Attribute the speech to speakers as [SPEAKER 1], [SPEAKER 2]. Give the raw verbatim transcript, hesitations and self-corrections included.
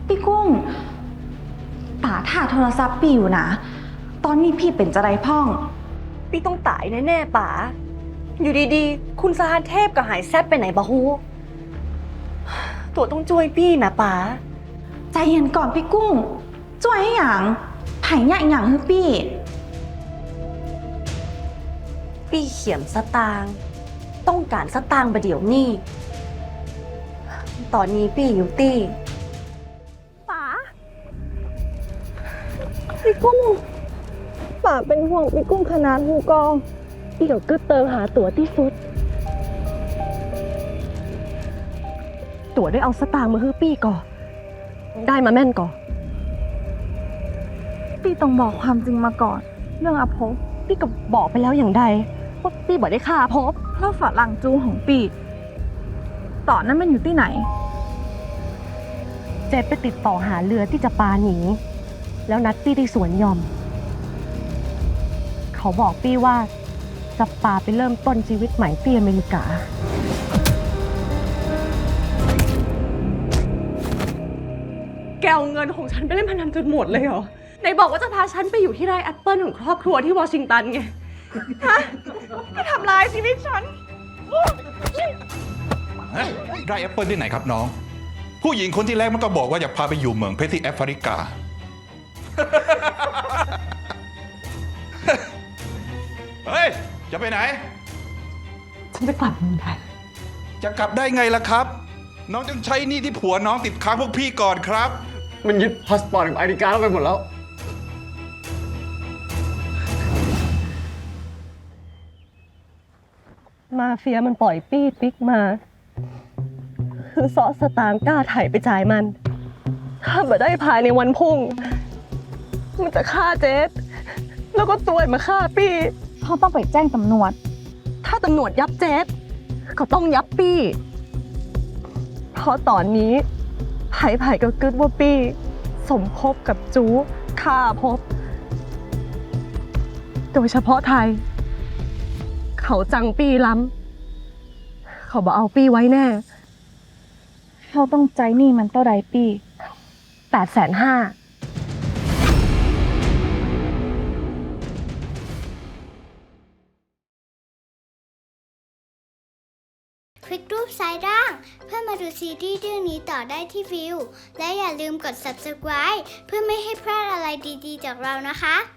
[SPEAKER 1] พี่กุ้งป๋าถ่าโทรศัพท์ปีอยู่นะตอนนี้พี่เป็นจะไรพ่อง
[SPEAKER 2] พี่ต้องตายแน่ๆป๋าอยู่ดีๆคุณสหเทพกับหายแซบไปไหนบะฮูตัวต้องช่วยพี่นะป๋า
[SPEAKER 1] ใจเย็นก่อนพี่กุ้งจ่วยให้หยังไผ่เนี่ยหยังให้พี่
[SPEAKER 2] พี่เขียมสตางค์ต้องการสตางค์ประเดี๋ยวนี้ตอนนี้พี่อยู่ตี้ป๋าพี่กุ้งป๋าเป็นห่วงพี่กุ้งขนาดหูกองพี่เดี๋ยวกึดเติมหาตั๋วที่สุดตั๋วได้เอาสตางค์มาฮื้อปี้ก่อได้มาแม่นก่อ
[SPEAKER 1] พี่ต้องบอกความจริงมาก่อนเรื่องอภพ
[SPEAKER 2] พี่ก็บอกไปแล้วอย่างใดว่าพี่บอกได้ฆ่าอภพ
[SPEAKER 1] เพราะฝรั่งจูของปีตอนนั้นมันอยู่ที่ไหน
[SPEAKER 2] เจ๊ไปติดต่อหาเรือที่จะปาหนีแล้วนัดปี้ที่สวนยอมเขาบอกปี้ว่าจะปาไปเริ่มต้นชีวิตใหม่ที่อเมริกาแกเอาเงินของฉันไปเล่นพนันจนหมดเลยเหรอไหนบอกว่าจะพาฉันไปอยู่ที่ไร่แอปเปิลของครอบครัวที่วอชิงตันไงฮะไปทำลายชีวิตฉัน
[SPEAKER 3] ไร่แอปเปิลที่ไหนครับน้องผู้หญิงคนที่แรกมันก็บอกว่าอยากพาไปอยู่เมืองเพชรที่แอฟริกา เฮ้ยจะไปไหน
[SPEAKER 2] ฉันจะกลับเมืองไทย
[SPEAKER 3] จะกลับได้ไงล่ะครับน้องต้องใช้หนี้ที่ผัวน้องติดค้างพวกพี่ก่อนครับ
[SPEAKER 4] มันยึดพาสปอร์ตของอเมริกาเราไปหมดแล้ว
[SPEAKER 2] มาเฟียมันปล่อยปี้ปิ๊กมาคือซอสตางค์กล้าไถ่ไปจ่ายมันถ้าบ่ได้ภายในวันพุ่งมันจะฆ่าเจสแล้วก็ตัวมาฆ่าปี้
[SPEAKER 1] เขาต้องไปแจ้งตำรวจ
[SPEAKER 2] ถ้าตำรวจยับเจสก็ต้องยับปี้เพราะตอนนี้ไผ่ไผ่ก็กึดว่าปี้สมคบกับจูฆ่าพบโดยเฉพาะไทยเขาจังปี้ล้ำเขาบอกเอาปี้ไว้แน่
[SPEAKER 1] เขาต้องใจนี่มันเท่าใดปี
[SPEAKER 2] แปดแสนห้า
[SPEAKER 5] คลิกรูปซ้ายล่างเพื่อมาดูซีรีส์เรื่องนี้ต่อได้ที่วิวและอย่าลืมกด ซับสไครบ์ เพื่อไม่ให้พลาดอะไรดีๆจากเรานะคะ